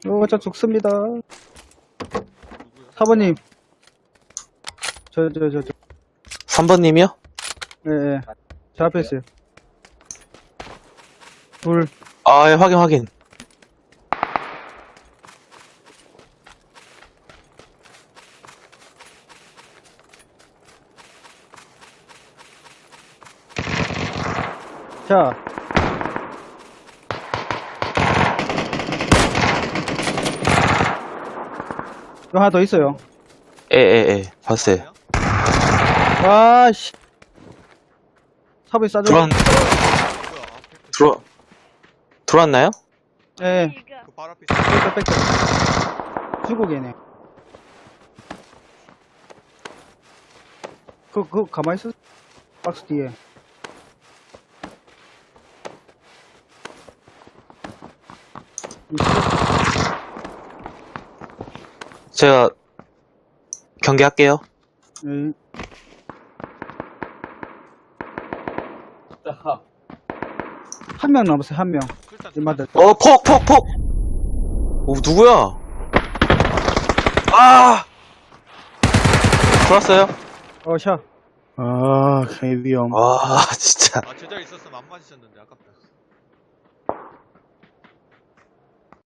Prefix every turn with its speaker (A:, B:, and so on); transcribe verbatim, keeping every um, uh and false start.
A: 어, 저 죽습니다.
B: 누구요?
A: 사번님. 저, 저, 저, 저.
C: 삼 번님이요?
A: 예, 예. 제 앞에 있어요. 둘.
C: 아, 예, 확인, 확인.
A: 자. 또 하나 더 있어요.
C: 예, 예, 예. 봤어요.
A: 와, 씨. 사번이 싸줘.
C: 들어왔,
B: 뭐야? 앞에 그-
C: 들어, 들어왔나요?
A: 예.
B: 그 발 앞에 있어.
A: 빽빽, 빽빽. 주고 계네. 그, 그, 가만히 있어. 박스 뒤에.
C: 제가 경계할게요.
A: 예. 한 명 남았어요, 한 명.
B: 술탄
A: 이마들.
C: 어, 폭, 폭, 폭! 오, 누구야? 아! 들어왔어요?
A: 어, 샤.
D: 아, 헤비형.
C: 와, 진짜.
B: 아 제자리 있었으면 안 맞으셨는데 아깝다.